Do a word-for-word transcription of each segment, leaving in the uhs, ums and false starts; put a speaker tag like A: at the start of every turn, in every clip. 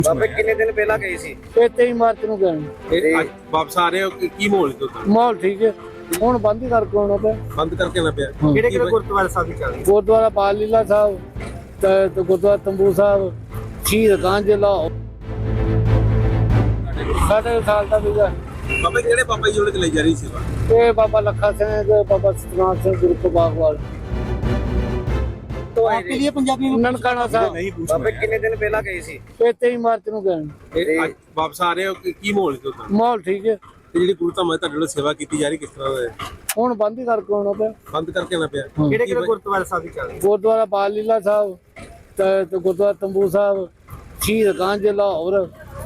A: ਬਾਬੇ ਕਿੰਨੇ ਦਿਨ ਪਹਿਲਾਂ ਗਏ ਸੀ?
B: ਇਹ ਤੇਈ ਮਾਰਚ ਨੂੰ ਗਏ।
A: ਤੇ
C: ਅੱਜ ਵਾਪਸ ਆ ਰਹੇ ਹੋ ਕੀ ਕੀ ਮਾਹੌਲ ਹੈ ਤੁਹਾਡਾ?
B: ਮਾਹੌਲ ਠੀਕ ਹੈ, ਹੁਣ ਬੰਦ ਹੀ ਕਰਕੇ ਆਉਣਾ ਪਿਆ।
C: ਬੰਦ ਕਰਕੇ ਨਾ ਪਿਆ
A: ਕਿਹੜੇ ਕਿਹੜੇ ਗੁਰਦੁਆਰੇ ਸਾਹਿਬ ਦੀ ਚੱਲ ਰਹੀ?
B: ਗੁਰਦੁਆਰਾ ਬਾਲ ਲੀਲਾ ਸਾਹਿਬ ਤੇ ਤੇ ਗੁਰਦੁਆਰਾ ਤੰਬੂ ਸਾਹਿਬ, ਸ਼ਹੀਦ ਗੰਜ ਲਾਹੌਰ। ਸਾਡੇ ਸਾਲ ਦਾ ਵੀਜ਼ਾ।
C: ਬਾਬਾ ਕਿਹੜੇ ਬਾਬਾ ਜੀ ਉਹਨੇ ਚਲਾਈ ਜਾ ਰਹੀ ਸੇਵਾ?
B: ਇਹ ਬਾਬਾ ਲੱਖਾ ਸਿੰਘ, ਬਾਬਾ ਸਤਨਾਮ ਸਿੰਘ ਗੁਰੂ ਬਾਗਵਾਲ।
A: तो आपके लिए पंजाबी में
B: ਨਨਕਾਣਾ ਸਾਹਿਬ।
C: ਨਹੀਂ ਪੁੱਛ
A: ਬਾਬੇ ਕਿੰਨੇ ਦਿਨ ਪਹਿਲਾਂ ਗਏ ਸੀ?
B: ਇਹ ਤੇਈ ਮਾਰਚ ਨੂੰ ਗਏ।
C: ਤੇ ਅੱਜ ਵਾਪਸ ਆ ਰਹੇ ਹੋ ਕੀ ਕੀ ਮਾਹੌਲ ਹੈ ਤੁਹਾਡਾ?
B: ਮਾਹੌਲ ਠੀਕ ਹੈ,
C: ਤੇ ਜਿਹੜੀ ਗੁਰੂ ਧਾਮਾਂ ਤੁਹਾਡੇ ਵੱਲੋਂ ਸੇਵਾ ਕੀਤੀ ਜਾ ਰਹੀ ਕਿਸ ਤਰ੍ਹਾਂ ਦਾ ਹੈ?
B: ਹੁਣ ਬੰਦ ਹੀ ਕਰਕੇ ਆਉਣਾ ਪਿਆ।
C: ਬੰਦ ਕਰਕੇ ਨਾ ਪਿਆ
A: ਕਿਹੜੇ ਕਿਹੜੇ ਗੁਰਦੁਆਰੇ ਸਾਹਿਬ ਦੀ ਚੱਲ ਰਹੀ?
B: ਗੁਰਦੁਆਰਾ ਬਾਲ ਲੀਲਾ ਸਾਹਿਬ ਤੇ ਤੇ ਗੁਰਦੁਆਰਾ ਤੰਬੂ ਸਾਹਿਬ, ਸ਼ਹੀਦ ਗੰਜ ਲਾਹੌਰ।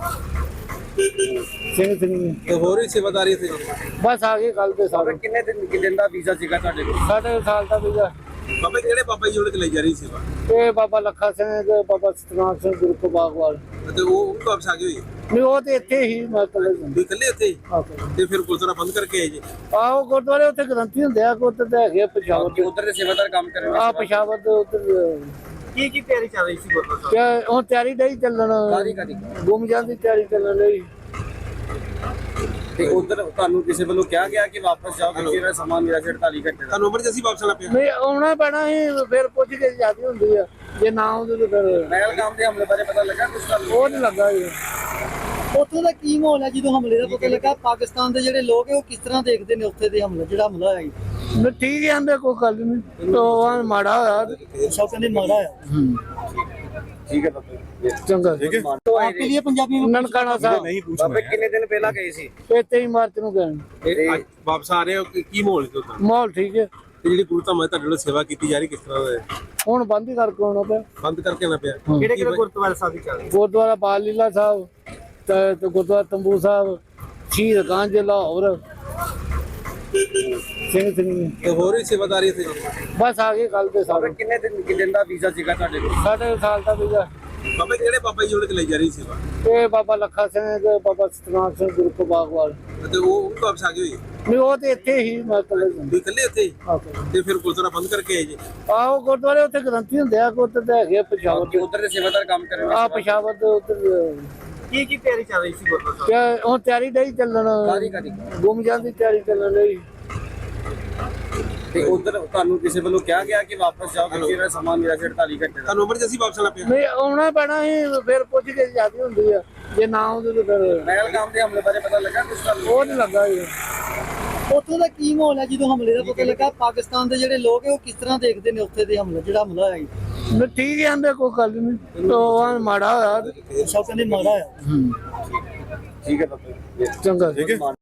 B: ਸਿੰਘ ਸਿੰਘ
C: ਤੇ ਹੋਰ ਵੀ ਸੇਵਾਦਾਰੀ ਇੱਥੇ
B: ਬਸ ਆ ਗਏ ਕੱਲ ਦੇ ਸਾਰੇ।
A: ਬਾਬੇ ਕਿੰਨੇ ਦਿਨ ਕਿ ਦਿਨ ਦਾ ਵੀਜ਼ਾ ਸੀਗਾ ਤੁਹਾਡੇ ਕੋਲ?
B: ਸਾਡੇ ਸਾਲ ਦਾ ਵੀਜ਼ਾ।
C: ਬਾਬਾ ਕਿਹੜੇ ਬਾਬਾ ਜੀ ਉਹਨੇ ਚਲਾਈ ਜਾ ਰਹੀ ਸੇਵਾ?
B: ਇਹ ਬਾਬਾ ਲੱਖਾ ਸਿੰਘ, ਬਾਬਾ ਸਤਨਾਮ ਸਿੰਘ ਗੁਰੂ ਬਾਗਵਾਲ।
C: ਤੇ ਉਹ ਉਹ ਵੀ ਵਾਪਸ ਆ ਗਏ ਹੋਏ
B: ਨਹੀਂ ਉਹ ਤੇ ਇੱਥੇ ਹੀ ਮਤਲਬ
C: ਤੁਸੀਂ ਇਕੱਲੇ ਇੱਥੇ ਹੀ? ਤੇ ਫਿਰ ਗੁਰਦੁਆਰਾ ਬੰਦ ਕਰਕੇ ਆਏ ਜੀ?
B: ਆਹੋ ਗੁਰਦੁਆਰੇ ਉੱਥੇ ਗ੍ਰੰਥੀ ਹੁੰਦੇ ਆ, ਉੱਧਰ ਤੇ ਹੈਗੇ ਆ ਪਸ਼ਾਵਰ ਦੇ।
A: ਉਧਰ ਦੇ ਸੇਵਾਦਾਰ ਕੰਮ ਕਰ ਰਹੇ
B: ਆ ਪਸ਼ਾਵਰ ਦੇ ਉੱਧਰ
A: ਕੀ ਕੀ ਤਿਆਰੀ ਚੱਲ ਰਹੀ ਸੀ ਗੁਰਦੁਆਰਾ
B: ਤੇ ਹੁਣ ਤਿਆਰੀ ਨਹੀਂ ਚੱਲਣ।
A: ਕਾਹਦੀ ਕਾਹਦੀ?
B: ਗੁੰਮ ਜਾਂਦੀ ਤਿਆਰੀ ਚੱਲਣ ਲਈ।
A: ਤੇ ਉਧਰ ਤੁਹਾਨੂੰ ਕਿਸੇ ਵੱਲੋਂ ਕਿਹਾ ਗਿਆ ਕਿ ਵਾਪਸ ਜਾਓ ਕਿਉਂਕਿ ਇਹਦਾ ਸਮਾਂ ਮੇਰਾ ਅੜਤਾਲੀ ਘੰਟੇ ਦਾ?
C: ਤੁਹਾਨੂੰ ਐਮਰਜੈਂਸੀ ਵਾਪਸ ਆਣਾ ਪਿਆ?
B: ਨਹੀਂ ਆਉਣਾ ਪੈਣਾ ਸੀ, ਫਿਰ ਪੁੱਛ ਕੇ ਜਿਆਦੀ ਹੁੰਦੀ ਆ, ਜੇ ਨਾ ਆਉਂਦੇ ਤਾਂ ਫਿਰ
A: ਪਹਿਲਗਾਮ ਦੇ ਹਮਲੇ ਬਾਰੇ ਪਤਾ ਲੱਗਾ ਕੁਝ ਤੁਹਾਨੂੰ?
B: ਉਹ ਨਹੀਂ ਲੱਗਾ ਜੀ।
D: ਉੱਥੋਂ ਦਾ ਕੀ ਮਾਹੌਲ ਹੈ ਜਦੋਂ ਹਮਲੇ ਦਾ ਪਤਾ ਲੱਗਾ? ਪਾਕਿਸਤਾਨ ਦੇ ਜਿਹੜੇ ਲੋਕ ਹੈ ਉਹ ਕਿਸ ਤਰ੍ਹਾਂ ਦੇਖਦੇ ਨੇ ਉੱਥੇ ਦੇ ਹਮਲੇ, ਜਿਹੜਾ ਹਮਲਾ ਹੋਇਆ ਜੀ?
B: ਨਹੀਂ ਠੀਕ ਹੀ ਆਂਦੇ, ਕੋਈ ਗੱਲ ਨਹੀਂ। ਉਹ ਮਾੜਾ ਹੋਇਆ।
D: ਸਭ ਕਹਿੰਦੇ ਮਾੜਾ ਆ।
A: ਠੀਕ ਹੈ ਬਾਬੇ।
B: ਚੰਗਾ
D: आपके लिए पंजाबी में
B: ਨਨਕਾਣਾ ਸਾਹਿਬ।
C: ਨਹੀਂ ਪੁੱਛ
A: ਬਾਬੇ ਕਿੰਨੇ ਦਿਨ ਪਹਿਲਾਂ ਗਏ ਸੀ?
B: ਇਹ ਤੇਈ ਮਾਰਚ ਨੂੰ ਗਏ।
C: ਤੇ ਅੱਜ ਵਾਪਸ ਆ ਰਹੇ ਹੋ ਕੀ ਕੀ ਮਾਹੌਲ ਹੈ ਤੁਹਾਡਾ?
B: ਮਾਹੌਲ ਠੀਕ ਹੈ,
C: ਤੇ ਜਿਹੜੀ ਗੁਰੂ ਧਾਮਾਂ ਤੁਹਾਡੇ ਵੱਲੋਂ ਸੇਵਾ ਕੀਤੀ ਜਾ ਰਹੀ ਕਿਸ ਤਰ੍ਹਾਂ ਦਾ ਹੈ?
B: ਹੁਣ ਬੰਦ ਹੀ ਕਰਕੇ ਆਉਣਾ ਪਿਆ।
C: ਬੰਦ ਕਰਕੇ ਨਾ ਪਿਆ
A: ਕਿਹੜੇ ਕਿਹੜੇ ਗੁਰਦੁਆਰੇ ਸਾਹਿਬ ਦੀ ਚੱਲ ਰਹੀ?
B: ਗੁਰਦੁਆਰਾ ਬਾਲ ਲੀਲਾ ਸਾਹਿਬ ਤੇ ਤੇ ਗੁਰਦੁਆਰਾ ਤੰਬੂ ਸਾਹਿਬ, ਸ਼ਹੀਦ ਗੰਜ ਲਾਹੌਰ। ਸਿੰਘ ਸਿੰਘ
C: ਤੇ ਹੋਰ ਵੀ ਸੇਵਾਦਾਰੀ ਇੱਥੇ
B: ਬਸ ਆ ਗਏ ਕੱਲ ਦੇ
A: ਬਾਬੇ
B: ਸਾਰੇ।
A: ਕਿੰਨੇ ਦਿਨ ਕਿ ਦਿਨ ਦਾ ਵੀਜ਼ਾ ਸੀਗਾ ਤੁਹਾਡੇ ਕੋਲ?
B: ਸਾਡੇ ਸਾਲ ਦਾ ਵੀਜ਼ਾ।
C: ਬਾਬਾ ਕਿਹੜੇ ਬਾਬਾ ਜੀ ਉਹਨੇ ਚਲਾਈ ਜਾ ਰਹੀ ਸੇਵਾ?
B: ਇਹ ਬਾਬਾ ਲੱਖਾ ਸਿੰਘ, ਬਾਬਾ ਸਤਨਾਮ ਸਿੰਘ ਗੁਰੂ ਬਾਗਵਾਲ।
C: ਤੇ ਉਹ ਉਹ ਵੀ ਵਾਪਸ ਆ ਗਏ ਹੋਏ
B: ਨਹੀਂ ਉਹ ਤੇ ਇੱਥੇ ਹੀ ਮਤਲਬ
C: ਤੁਸੀਂ ਇਕੱਲੇ ਇੱਥੇ ਹੀ? ਤੇ ਫਿਰ ਗੁਰਦੁਆਰਾ ਬੰਦ ਕਰਕੇ ਆਏ ਜੀ?
B: ਆਹੋ ਗੁਰਦੁਆਰੇ ਉੱਥੇ ਗ੍ਰੰਥੀ ਹੁੰਦੇ ਆ, ਉੱਧਰ ਤੇ ਹੈਗੇ ਆ ਪਸ਼ਾਵਰ ਦੇ।
A: ਉਧਰ ਦੇ ਸੇਵਾਦਾਰ ਕੰਮ ਕਰ ਰਹੇ
B: ਆ ਪਸ਼ਾਵਰ ਦੇ ਉੱਧਰ
A: ਕੀ ਕੀ ਤਿਆਰੀ ਚੱਲ ਰਹੀ ਸੀ ਗੁਰਦੁਆਰਾ ਸਾਹਿਬ?
B: ਤੇ ਹੁਣ ਤਿਆਰੀ ਨਹੀਂ ਚੱਲਣ।
A: ਕਾਹਦੀ ਕਾਹਦੀ?
B: ਗੁੰਮ ਜਾਂਦੀ ਤਿਆਰੀ ਚੱਲਣ ਲਈ।
A: ਤੇ ਉਧਰ ਤੁਹਾਨੂੰ ਕਿਸੇ ਵੱਲੋਂ ਕਿਹਾ ਗਿਆ ਕਿ ਵਾਪਸ ਜਾਓ ਕਿਉਂਕਿ ਇਹਦਾ ਸਮਾਂ ਮੇਰਾ ਅੜਤਾਲੀ ਘੰਟੇ ਦਾ?
C: ਤੁਹਾਨੂੰ ਐਮਰਜੈਂਸੀ ਵਾਪਸ ਆਣਾ ਪਿਆ?
B: ਨਹੀਂ ਆਉਣਾ ਪੈਣਾ ਸੀ, ਫਿਰ ਪੁੱਛ ਕੇ ਜਿਆਦੀ ਹੁੰਦੀ ਆ, ਜੇ ਨਾ ਆਉਂਦੇ ਤਾਂ ਫਿਰ
A: ਪਹਿਲਗਾਮ ਦੇ ਹਮਲੇ ਬਾਰੇ ਪਤਾ ਲੱਗਾ ਕੁਝ ਤੁਹਾਨੂੰ?
B: ਉਹ ਨਹੀਂ ਲੱਗਾ ਜੀ।
D: ਉੱਥੋਂ ਦਾ ਕੀ ਮਾਹੌਲ ਹੈ ਜਦੋਂ ਹਮਲੇ ਦਾ ਪਤਾ ਲੱਗਾ? ਪਾਕਿਸਤਾਨ ਦੇ ਜਿਹੜੇ ਲੋਕ ਹੈ ਉਹ ਕਿਸ ਤਰ੍ਹਾਂ ਦੇਖਦੇ ਨੇ ਉੱਥੇ ਦੇ ਹਮਲੇ, ਜਿਹੜਾ ਹਮਲਾ ਹੋਇਆ ਜੀ?
B: ਨਹੀਂ ਠੀਕ ਹੀ ਆਂਦੇ, ਕੋਈ ਗੱਲ ਨਹੀਂ। ਉਹ ਮਾੜਾ ਹੋਇਆ।
D: ਸਭ ਕਹਿੰਦੇ ਮਾੜਾ ਆ।
A: ਠੀਕ ਹੈ ਬਾਬੇ।
B: ਚੰਗਾ